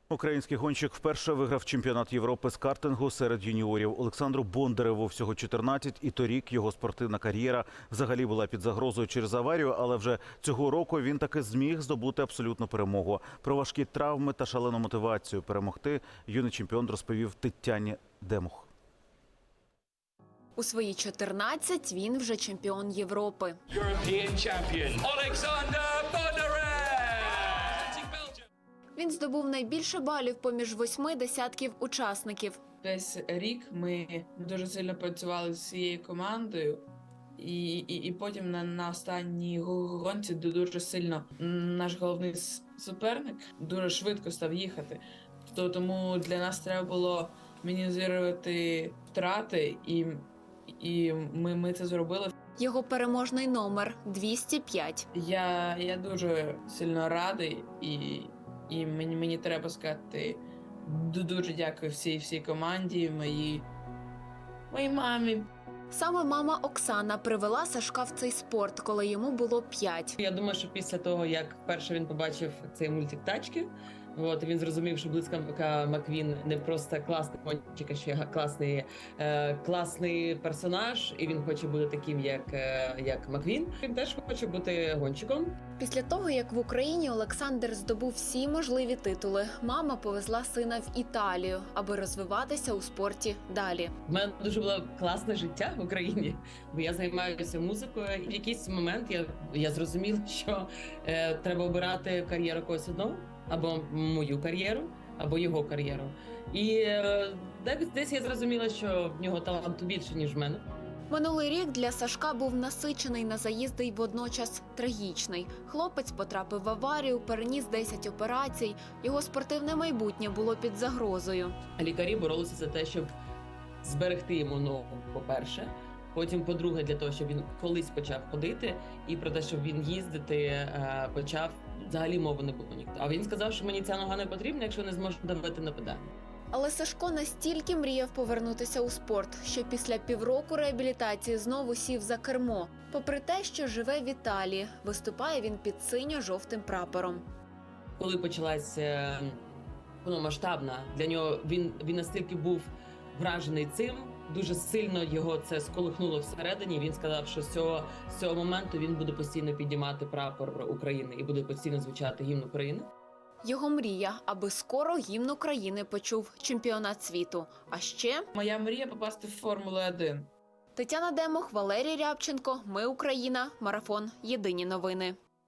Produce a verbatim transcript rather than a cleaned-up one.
Український гонщик вперше виграв чемпіонат Європи з картингу серед юніорів. Олександру Бондареву всього чотирнадцять, і торік його спортивна кар'єра взагалі була під загрозою через аварію, але вже цього року він таки зміг здобути абсолютну перемогу. Про важкі травми та шалену мотивацію перемогти юний чемпіон розповів Тетяні Демух. У свої чотирнадцять він вже чемпіон Європи. Він здобув найбільше балів поміж восьми десятків учасників. Десь рік ми дуже сильно працювали з цією командою, і, і, і потім на, на останній гонці дуже сильно наш головний суперник дуже швидко став їхати. То, тому для нас треба було мінімізувати втрати, і, і ми, ми це зробили. Його переможний номер – двісті п'ять. Я, я дуже сильно радий, і, і мені, мені треба сказати дуже дякую всій всій команді, моїй, моїй мамі. Саме мама Оксана привела Сашка в цей спорт, коли йому було п'ять. Я думаю, що після того, як вперше він побачив цей мультик «Тачки», от, він зрозумів, що Блискавка Маквін не просто класний гонщик, а ще класний, е, класний персонаж, і він хоче бути таким, як, е, як Маквін. Він теж хоче бути гонщиком. Після того, як в Україні Олександр здобув всі можливі титули, мама повезла сина в Італію, аби розвиватися у спорті далі. У мене дуже було класне життя в Україні, бо я займаюся музикою. І в якийсь момент я, я зрозуміла, що е, треба обирати кар'єру когось одного, або мою кар'єру, або його кар'єру. І е, десь я зрозуміла, що в нього таланту більше, ніж в мене. Минулий рік для Сашка був насичений на заїзди й водночас трагічний. Хлопець потрапив в аварію, переніс десять операцій. Його спортивне майбутнє було під загрозою. Лікарі боролися за те, щоб зберегти йому ногу, по-перше. Потім, по-друге, для того, щоб він колись почав ходити, і про те, щоб він їздити почав, взагалі мови не було ніхто. А він сказав, що мені ця нога не потрібна, якщо не зможу давити на педалі. Але Сашко настільки мріяв повернутися у спорт, що після півроку реабілітації знову сів за кермо. Попри те, що живе в Італії, виступає він під синьо-жовтим прапором. Коли почалася повномасштабна, для нього він, він настільки був вражений цим, дуже сильно його це сколихнуло всередині. Він сказав, що з цього, з цього моменту він буде постійно піднімати прапор України і буде постійно звучати гімн України. Його мрія, аби скоро гімн України почув чемпіонат світу. А ще... Моя мрія – попасти в Формулу один. Тетяна Демух, Валерій Рябченко. Ми Україна. Марафон. Єдині новини.